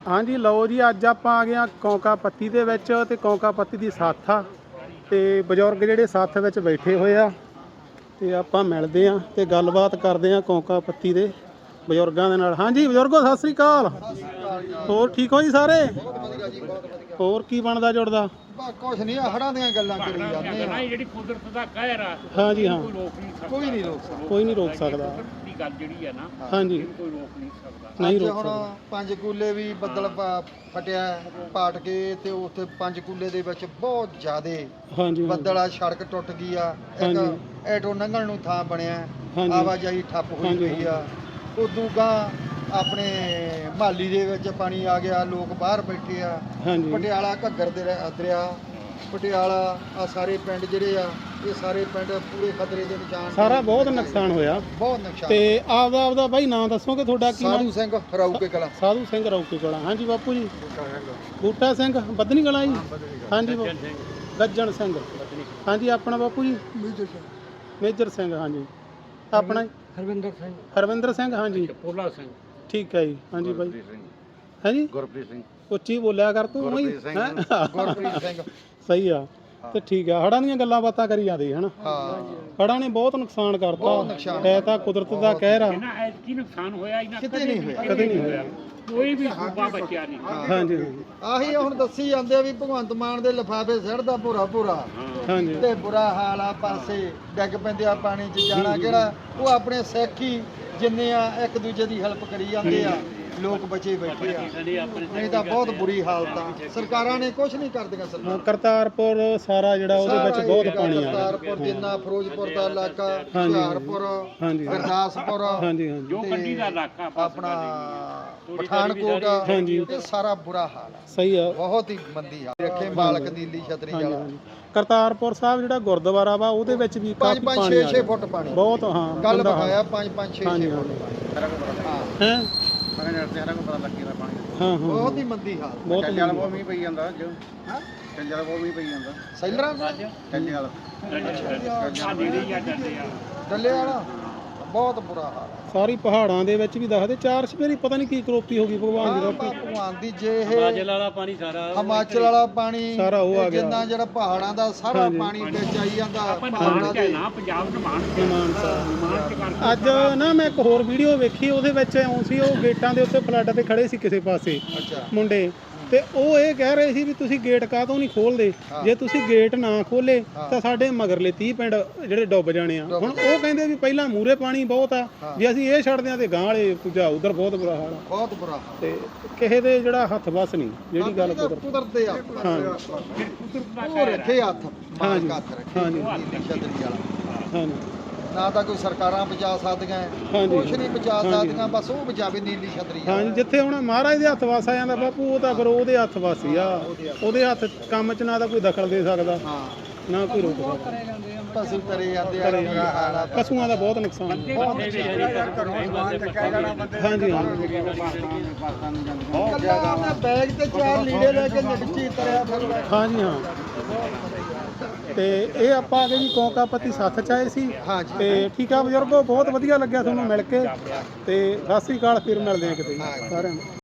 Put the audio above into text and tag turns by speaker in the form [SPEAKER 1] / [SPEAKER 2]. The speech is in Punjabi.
[SPEAKER 1] हाँ जी लो जी अज आप आ गए कौंका पत्ती दे विच ते कौंका पत्ती दी साथ आ ते बजुर्ग जिहड़े साथ विच बैठे होए आ ते आपां मिलदे आ ते गलबात करदे आ कौंका पत्ती दे बजुर्गां दे नाल। हाँ जी बजुर्गो सत श्री अकाल, होर ठीक हो जी सारे? होर की बनदा जुड़दा?
[SPEAKER 2] कुछ नहीं हड़ां दियां गल्लां करी जांदे आ
[SPEAKER 3] ਜਿਹੜੀ ਕੁਦਰਤ ਦਾ ਕਹਿਰ ਆ
[SPEAKER 1] हाँ जी हाँ
[SPEAKER 2] ਕੋਈ ਨਹੀਂ ਰੋਕ ਸਕਦਾ।
[SPEAKER 1] कोई नहीं रोक सकदा।
[SPEAKER 3] ਦੀ ਗੱਲ ਜਿਹੜੀ ਆ ਨਾ
[SPEAKER 1] हाँ जी
[SPEAKER 3] ਕੋਈ ਰੋਕ ਨਹੀਂ ਸਕਦਾ।
[SPEAKER 1] नहीं
[SPEAKER 2] ਅੱਜ
[SPEAKER 1] रोक
[SPEAKER 2] ਹੁਣ
[SPEAKER 1] सकदा।
[SPEAKER 2] ਪੰਜ ਕੂਲੇ ਵੀ ਬੱਦਲ ਫਟਿਆ ਪਾਟ ਕੇ ਤੇ ਉੱਥੇ ਪੰਜ ਕੂਲੇ ਦੇ ਵਿੱਚ ਬਹੁਤ ਜ਼ਿਆਦੇ
[SPEAKER 1] हाँ जी हाँ
[SPEAKER 2] ਬੱਦਲ ਆ, ਸੜਕ ਟੁੱਟ ਗਈ ਆ,
[SPEAKER 1] ਹਾਂਜੀ।
[SPEAKER 2] ਇੱਕ ਐਟੋ ਲੰਘਣ ਨੂੰ ਥਾਂ ਬਣਿਆ,
[SPEAKER 1] ਹਾਂਜੀ।
[SPEAKER 2] ਆਵਾਜਾਈ ਠੱਪ ਹੋਈ
[SPEAKER 1] ਹਾਂਜੀ,
[SPEAKER 2] ਪਈ ਆ। ਉਦੋਂ ਗਾਂ ਆਪਣੇ ਮਹੱਲੀ ਦੇ ਵਿੱਚ ਪਾਣੀ ਆ ਗਿਆ, ਲੋਕ ਬਾਹਰ ਬੈਠੇ ਆ।
[SPEAKER 1] हाँ जी
[SPEAKER 2] ਪਟਿਆਲਾ ਘੱਗਰ ਦੇ ਦਰਿਆ, ਪਟਿਆਲਾ ਆ ਸਾਰੇ ਪਿੰਡ ਜਿਹੜੇ ਆ ਇਹ ਸਾਰੇ ਪਿੰਡ ਪੂਰੇ ਖਤਰੇ ਦੇ ਨਿਸ਼ਾਨ ਤੇ।
[SPEAKER 1] सारा बहुत नुकसान होया
[SPEAKER 2] ਬਹੁਤ ਨੁਕਸਾਨ।
[SPEAKER 1] ਤੇ ਆਪਦਾ ਆਪਦਾ ਬਾਈ ਨਾਂ ਦੱਸੋਗੇ ਤੁਹਾਡਾ ਕੀ ਨਾਮ?
[SPEAKER 2] ਸਾਧੂ ਸਿੰਘ ਹਰਾਊਕੇ ਕਲਾ।
[SPEAKER 1] ਸਾਧੂ ਸਿੰਘ ਰੌਕੇ ਕੋਲਾ। ਹਾਂਜੀ ਬਾਪੂ ਜੀ। ਬੂਟਾ ਸਿੰਘ ਬੱਧਨੀ ਕਲਾ ਜੀ। ਹਾਂਜੀ ਗੱਜਣ ਸਿੰਘ। ਹਾਂਜੀ ਆਪਣਾ ਬਾਪੂ ਜੀ? ਮੇਜਰ ਸਿੰਘ। ਹਾਂਜੀ ਆਪਣਾ
[SPEAKER 2] ਹਰਵਿੰਦਰ ਸਿੰਘ।
[SPEAKER 1] ਹਰਵਿੰਦਰ ਸਿੰਘ। ਹਾਂਜੀ
[SPEAKER 3] ਪੋਲਾ ਸਿੰਘ,
[SPEAKER 1] ਠੀਕ ਹੈ ਜੀ। ਹਾਂਜੀ ਬਾਈ। ਹਾਂਜੀ
[SPEAKER 2] ਗੁਰਪ੍ਰੀਤ ਸਿੰਘ।
[SPEAKER 1] ਉੱਚੀ ਬੋਲਿਆ ਕਰ ਤੂੰ ਉਹੀ ਹੈਂ?
[SPEAKER 2] ਗੁਰਪ੍ਰੀਤ ਸਿੰਘ।
[SPEAKER 1] ਸਹੀ ਆ ਤੇ ਠੀਕ ਆ। ਹੜਾਂ ਦੀਆਂ ਗੱਲਾਂ ਬਾਤਾਂ ਕਰੀ ਜਾਂਦੇ ਹਨਾ।
[SPEAKER 2] ਹਾਂ
[SPEAKER 1] ਹੜਾਂ ਨੇ ਬਹੁਤ ਨੁਕਸਾਨ
[SPEAKER 2] ਬਹੁਤ
[SPEAKER 1] ਕਰਤਾ।
[SPEAKER 2] ਨੁਕਸਾਨ
[SPEAKER 1] ਇਹ ਤਾਂ ਕੁਦਰਤ ਦਾ ਕਹਿਰ ਆ।
[SPEAKER 3] ਇਹਨਾਂ ਐਤਕੀ ਨੁਕਸਾਨ ਹੋਇਆ ਇਹਨਾਂ
[SPEAKER 2] ਕਿਤੇ ਨਹੀਂ ਹੋਇਆ।
[SPEAKER 1] ਕਦੇ ਨਹੀਂ ਹੋਇਆ।
[SPEAKER 3] ਕੋਈ ਵੀ ਸੂਬਾ ਬਚਿਆ ਨਹੀਂ।
[SPEAKER 1] ਹਾਂਜੀ
[SPEAKER 2] ਆਹੀ ਹੁਣ ਦੱਸੀ ਜਾਂਦੇ ਆ ਵੀ ਭਗਵੰਤ ਮਾਨ ਦੇ ਲਿਫਾਫੇ ਸਿੱਟਦਾ ਭੂਰਾ
[SPEAKER 1] ਹਾਂਜੀ
[SPEAKER 2] ਤੇ ਬੁਰਾ ਹਾਲ ਆ, ਪਾਸੇ ਡਿੱਗ ਪੈਂਦੇ ਆ ਪਾਣੀ 'ਚ ਜਾਣਾ ਕਿਹੜਾ। ਉਹ ਆਪਣੇ ਸਿੱਖ ਹੀ ਜਿੰਨੇ ਆ ਇੱਕ ਦੂਜੇ ਦੀ ਹੈਲਪ ਕਰੀ ਜਾਂਦੇ ਆ, ਲੋਕ ਬਚੇ ਬੈਠੇ ਆ। ਨਹੀਂ ਤਾਂ ਬਹੁਤ ਬੁਰੀ ਹਾਲਤ ਆ। ਸਰਕਾਰਾਂ ਨੇ ਕੁਝ ਨਹੀਂ ਕਰਦੀਆਂ। ਸਰਕਾਰ
[SPEAKER 1] ਕਰਤਾਰਪੁਰ ਸਾਰਾ ਜਿਹੜਾ ਉਹਦੇ ਵਿੱਚ ਬਹੁਤ ਪਾਣੀ ਆ ਗਿਆ।
[SPEAKER 2] ਕਰਤਾਰਪੁਰ ਜਿੰਨਾ ਫਿਰੋਜ਼ਪੁਰ ਦਾ ਇਲਾਕਾ,
[SPEAKER 1] ਹਾਂਜੀ।
[SPEAKER 2] ਹੁਸ਼ਿਆਰਪੁਰ,
[SPEAKER 1] ਹਾਂਜੀ
[SPEAKER 2] ਗੁਰਦਾਸਪੁਰ,
[SPEAKER 1] ਹਾਂਜੀ ਹਾਂਜੀ
[SPEAKER 3] ਜੋ ਕੰਢੀ ਦਾ ਇਲਾਕਾ
[SPEAKER 2] ਆਪਣਾ ਪਠਾਨਕੋਟ,
[SPEAKER 1] ਹਾਂਜੀ।
[SPEAKER 2] ਇਹ ਸਾਰਾ ਬੁਰਾ ਹਾਲ ਆ।
[SPEAKER 1] ਸਹੀ ਆ।
[SPEAKER 2] ਬਹੁਤ ਹੀ ਮੰਦੀ ਹਾਲਤ ਰੱਖੇ ਮਾਲਕ ਨੀਲੀ ਛਤਰੀ
[SPEAKER 1] ਹਾਂਜੀ
[SPEAKER 2] ਵਾਲਾ।
[SPEAKER 1] ਹਾਂਜੀ ਕਰਤਾਰਪੁਰ ਸਾਹਿਬ ਜਿਹੜਾ ਗੁਰਦੁਆਰਾ ਵਾ ਉਹਦੇ ਵਿੱਚ ਵੀ
[SPEAKER 2] 5
[SPEAKER 1] ਕਾਫੀ
[SPEAKER 2] 5
[SPEAKER 1] ਪਾਣੀ
[SPEAKER 2] 6
[SPEAKER 1] ਆ
[SPEAKER 2] 6
[SPEAKER 1] ਗਿਆ।
[SPEAKER 2] ਫੁੱਟ ਪਾਣੀ
[SPEAKER 1] ਬਹੁਤ ਹਾਂ
[SPEAKER 2] ਕੱਲ
[SPEAKER 1] ਗੰਦਾ ਹਾਲ।
[SPEAKER 2] ਬਕਾਇਆ 5 5 6
[SPEAKER 1] ਹਾਂਜੀ,
[SPEAKER 2] 6 ਫੁੱਟ ਪਾਣੀ। ਹਾਂ
[SPEAKER 1] ਹੈਂ? ਹਾਂ ਹਾਂ
[SPEAKER 2] ਬਹੁਤ ਹੀ ਮੰਦੀ ਹਾਲਤ।
[SPEAKER 1] ਬਹੁਤ
[SPEAKER 4] ਬਹੁਤ ਮੀਂਹ ਪਈ ਜਾਂਦਾ ਅੱਜ। ਚੱਲੇ ਵਾਲਾ ਬਹੁਤ ਮੀਂਹ ਪਈ ਜਾਂਦਾ।
[SPEAKER 2] ਸੈਲਰਾਂ
[SPEAKER 4] ਚੱਲੇ ਵਾਲਾ
[SPEAKER 3] ਆ ਨੇੜੇ ਹੀ ਆ ਜਾਂਦੇ ਆ।
[SPEAKER 2] ਡੱਲੇ ਵਾਲਾ ਬਹੁਤ ਬੁਰਾ ਹਾਲ ਆ।
[SPEAKER 1] ਸਾਰੀ ਪਹਾੜਾਂ ਦੇ ਵਿੱਚ ਵੀ ਦੱਸਦੇ 4 ਸਵੇਰੀ ਪਤਾ ਨਹੀਂ ਕੀ ਕਰੋਪੀ ਹੋ ਗਈ ਭਗਵਾਨ ਦੀ ਰੋਪੀ।
[SPEAKER 2] ਭਗਵਾਨ ਦੀ ਜੇ ਇਹ
[SPEAKER 3] ਵਾਲਾ ਪਾਣੀ ਸਾਰਾ
[SPEAKER 2] ਹਿਮਾਚਲ ਵਾਲਾ ਪਾਣੀ
[SPEAKER 1] ਸਾਰਾ ਉਹ ਆ
[SPEAKER 2] ਇਹ
[SPEAKER 1] ਗਿਆ।
[SPEAKER 2] ਜਿੰਨਾ ਜਿਹੜਾ ਪਹਾੜਾਂ ਦਾ ਸਾਰਾ
[SPEAKER 1] ਹਾਂਜੀ।
[SPEAKER 2] ਪਾਣੀ ਵਿੱਚ ਆਈ ਜਾਂਦਾ
[SPEAKER 3] ਆਪਾਂ
[SPEAKER 2] ਪਹਾੜਾਂ
[SPEAKER 3] ਨਿਮਾਣ
[SPEAKER 2] ਦੇ।
[SPEAKER 3] ਚ ਨਾ ਪੰਜਾਬ ਨਿਮਾਣ
[SPEAKER 1] ਮਾਨਸਾ।
[SPEAKER 3] ਚ ਕਰਕੇ
[SPEAKER 1] ਅੱਜ ਨਾ ਮੈਂ ਇੱਕ ਹੋਰ ਵੀਡੀਓ ਵੇਖੀ, ਉਹਦੇ ਵਿੱਚ ਇਉਂ ਸੀ ਉਹ ਗੇਟਾਂ ਦੇ ਉੱਤੇ ਫਲੱਡ ਤੇ ਖੜੇ ਸੀ ਕਿਸੇ ਪਾਸੇ
[SPEAKER 2] ਅੱਛਾ
[SPEAKER 1] ਮੁੰਡੇ, ਤੇ ਉਹ ਇਹ ਕਹਿ ਰਹੇ ਸੀ ਵੀ ਤੁਸੀਂ ਗੇਟ ਕਾਹਤੋਂ ਨਹੀਂ ਖੋਲਦੇ? ਜੇ ਤੁਸੀਂ ਗੇਟ ਨਾ ਖੋਲੇ ਤਾਂ ਸਾਡੇ ਮਗਰਲੇ 30 ਪਿੰਡ ਜਿਹੜੇ ਡੁੱਬ ਜਾਣੇ ਆ। ਹੁਣ ਉਹ ਕਹਿੰਦੇ ਵੀ ਪਹਿਲਾਂ ਮੂਰੇ ਪਾਣੀ ਬਹੁਤ ਆ, ਜੇ ਅਸੀਂ ਇਹ ਛੱਡਦੇ ਆ ਤੇ ਗਾਂ ਵਾਲੇ ਦੂਜਾ ਉਧਰ ਬਹੁਤ ਬੁਰਾ ਹਾਲ ਆ।
[SPEAKER 2] ਬਹੁਤ ਬੁਰਾ ਹਾਲ।
[SPEAKER 1] ਤੇ ਕਿਸੇ ਦੇ ਜਿਹੜਾ ਹੱਥ ਵਸ ਨਹੀਂ, ਜਿਹੜੀ ਗੱਲ
[SPEAKER 2] ਕੁਦਰਤ ਦੇ ਆ।
[SPEAKER 1] ਹਾਂ
[SPEAKER 2] ਉਹ ਰੱਖੇ ਹੱਥ
[SPEAKER 1] ਹਾਂਜੀ।
[SPEAKER 2] ਮਾਲਕ ਹੱਥ ਰੱਖੇ
[SPEAKER 1] ਹਾਂਜੀ।
[SPEAKER 2] ਨੀਲੀ ਛਤਰੀ ਵਾਲਾ।
[SPEAKER 1] ਹਾਂਜੀ
[SPEAKER 2] ਨਾ ਤਾਂ ਕੋਈ ਸਰਕਾਰਾਂ ਬਚਾ ਸਕਦੀਆਂ,
[SPEAKER 1] ਹਾਂਜੀ।
[SPEAKER 2] ਕੁਛ ਨਹੀਂ ਬਚਾ
[SPEAKER 1] ਹਾਂਜੀ।
[SPEAKER 2] ਸਕਦੀਆਂ, ਬਸ ਉਹ ਬਚਾਵੇ ਨੀਲੀ ਛਤਰੀ ਵਾਲਾ।
[SPEAKER 1] ਹਾਂਜੀ ਜਿੱਥੇ ਹੁਣ ਮਹਾਰਾਜ ਦੇ ਹੱਥ ਵਸ ਆ ਜਾਂਦਾ ਬਾਪੂ, ਉਹ ਤਾਂ ਫਿਰ ਉਹਦੇ ਹੱਥ ਵਸ ਹੀ ਆ। ਉਹਦੇ ਹੱਥ ਕੰਮ 'ਚ ਨਾ ਤਾਂ ਕੋਈ ਦਖਲ ਦੇ ਸਕਦਾ,
[SPEAKER 2] ਹਾਂ
[SPEAKER 1] ਨਾ ਕੋਈ ਰੋਕ ਸਕਦਾ।
[SPEAKER 2] ਪਸ਼ੂ ਤਰੇ ਜਾਂਦੇ ਆ, ਕੀ ਹਾਲ ਆ।
[SPEAKER 1] ਪਸ਼ੂਆਂ ਦਾ ਬਹੁਤ ਨੁਕਸਾਨ ਹੈ। ਹਾਂਜੀ ਹਾਂ
[SPEAKER 2] ਕੱਲਾ ਉਹਨੇ ਬੈਗ ਤੇ 4 ਲੀੜੇ ਲੈ ਕੇ ਨਿਕਚੀ ਤਰਿਆ ਫਿਰਦਾ।
[SPEAKER 1] ਹਾਂਜੀ ਹਾਂ। ਤੇ ਇਹ ਆਪਾਂ ਆ ਗਏ ਜੀ ਕੌਂਕਾ ਪੱਤੀ ਸੱਥ ਚ ਆਏ ਸੀ।
[SPEAKER 2] ਹਾਂਜੀ।
[SPEAKER 1] ਤੇ ਠੀਕ ਆ ਬਜ਼ੁਰਗੋ, ਬਹੁਤ ਵਧੀਆ ਲੱਗਿਆ ਤੁਹਾਨੂੰ ਮਿਲ ਕੇ। ਤੇ ਸਤਿ ਸ੍ਰੀ ਅਕਾਲ, ਫਿਰ ਮਿਲਦੇ ਆ ਕਿਤੇ ਸਾਰਿਆਂ ਨੂੰ।